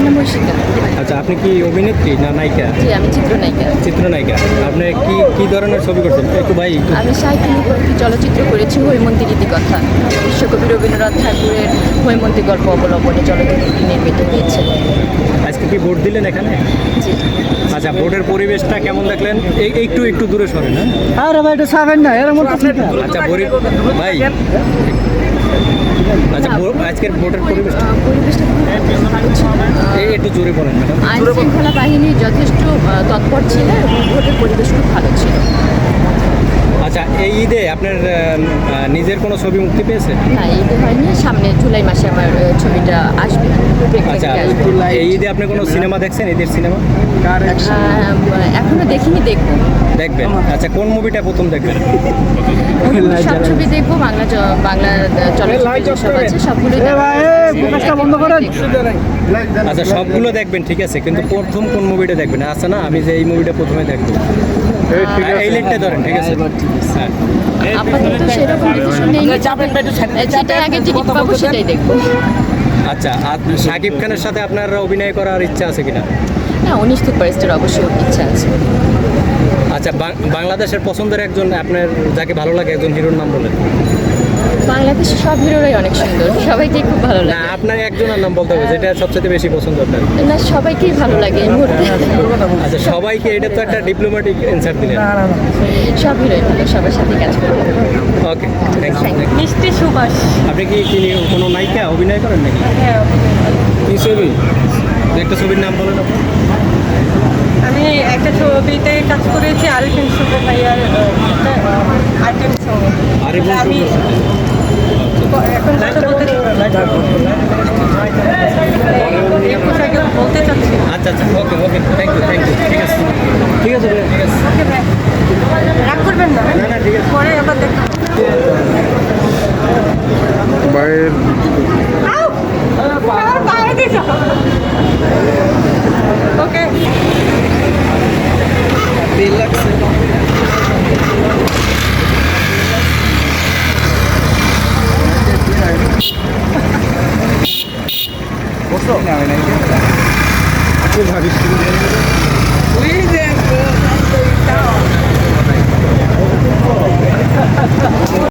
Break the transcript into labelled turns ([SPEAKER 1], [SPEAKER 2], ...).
[SPEAKER 1] নাম ঐশিকা।
[SPEAKER 2] আচ্ছা, আপনি কি অভিনেত্রী না নায়িকা?
[SPEAKER 1] জি, আমি চিত্রনায়িকা।
[SPEAKER 2] চিত্রনায়িকা। আপনি কি ধরনের ছবি করছেন একটু ভাই?
[SPEAKER 1] আমি সাহিত্য নিয়ে একটি চলচ্চিত্র করেছি, হৈমন্তী রীতিকথা। বিশ্বকবি রবীন্দ্রনাথ ঠাকুরের হৈমন্তী গল্প অবলম্বনে চলচ্চিত্রটি নির্মিত হয়েছে।
[SPEAKER 2] আজকে কি ভোট দিলেন এখানে?
[SPEAKER 1] জি।
[SPEAKER 2] আচ্ছা, ভোটের পরিবেশটা কেমন দেখলেন? একটু দূরে সরেন। হ্যাঁ,
[SPEAKER 3] আরে ভাই এটা ছাবেন না এর মধ্যে
[SPEAKER 2] আচ্ছা ভাই, আচ্ছা আজকের ভোটের পরিবেশটা
[SPEAKER 1] পরিবেশটা খুব ভালো ছিল।
[SPEAKER 2] একটু জোরে বলেন ম্যাডাম।
[SPEAKER 1] আইন শৃঙ্খলা বাহিনী যথেষ্ট তৎপর ছিল এবং ভোটের পরিবেশ খুব ভালো ছিল।
[SPEAKER 2] আচ্ছা, এই ঈদে আপনার নিজের কোনো ছবি মুক্তি পেয়েছে?
[SPEAKER 1] না, ঈদে হয়নি, সামনে জুলাই মাসে আমার ছবিটা আসবে।
[SPEAKER 2] আচ্ছা, এই ঈদে আপনি কোনো সিনেমা দেখছেন? ঈদের সিনেমা
[SPEAKER 1] এখনো দেখিনি, দেখবো।
[SPEAKER 2] দেখবেন? আচ্ছা, কোন মুভিটা প্রথম দেখবেন?
[SPEAKER 1] সব ছবি দেখবো, বাংলা চলচ্চিত্র সব আছে সবগুলো
[SPEAKER 3] বন্ধ করেন।
[SPEAKER 2] আচ্ছা, সবগুলো দেখবেন, ঠিক আছে, কিন্তু প্রথম কোন মুভিটা দেখবেন? আচ্ছা না, আমি যে এই মুভিটা প্রথমে দেখবো, এই লাইনটা ধরেন, ঠিক আছে? হ্যাঁ,
[SPEAKER 1] আপাতত সেরকম ডিসিশন নেই, যেটা আগে টিকিট পাবো সেটাই দেখবো।
[SPEAKER 2] আচ্ছা, আর শাকিব খানের সাথে আপনার অভিনয় করার ইচ্ছা আছে কিনা?
[SPEAKER 1] হ্যাঁ, 19 সুপারস্টার অবশ্যই ইচ্ছা আছে।
[SPEAKER 2] আচ্ছা, বাংলাদেশের পছন্দের একজন আপনার যাকে ভালো লাগে একজন হিরোর নাম বলেন।
[SPEAKER 1] বাংলাদেশের সব হিরোরাই অনেক সুন্দর, সবাইকেই খুব ভালো
[SPEAKER 2] না,
[SPEAKER 1] লাগে।
[SPEAKER 2] আপনার একজনের নাম বলতে হবে যেটা সবচেয়ে বেশি পছন্দ আপনার।
[SPEAKER 1] না, সবাইকেই ভালো লাগে এই মুহূর্তে।
[SPEAKER 2] আচ্ছা, সবাইকে, এটা তো একটা ডিপ্লোম্যাটিক অ্যান্সার দিলেন।
[SPEAKER 1] সব হিরোই ভালো, সবার সাথে কাজ করবো।
[SPEAKER 2] Okay, thank you.
[SPEAKER 1] মিষ্টি সুবাস।
[SPEAKER 2] আপনি কি কোনো নায়িকা অভিনয় করেন নাকি?
[SPEAKER 1] হ্যাঁ,
[SPEAKER 2] কি ছবি? একটা ছবির নাম বলেন আপনি।
[SPEAKER 4] আমি একটা ছবিতে কাজ করেছি আরিফিন শুভ ভাইয়ার আইটেম সং।
[SPEAKER 2] আরিফিন
[SPEAKER 4] আমি এখন কথা বলতে চাচ্ছি।
[SPEAKER 2] আচ্ছা, ওকে, থ্যাংক ইউ, ঠিক আছে, ঠিক আছে, ঠিক আছে।
[SPEAKER 4] ওকে ভাই, রাগ করবেন না।
[SPEAKER 2] না, ঠিক আছে।
[SPEAKER 4] পরে আবার দেখা। ওকে।
[SPEAKER 3] ভাবিস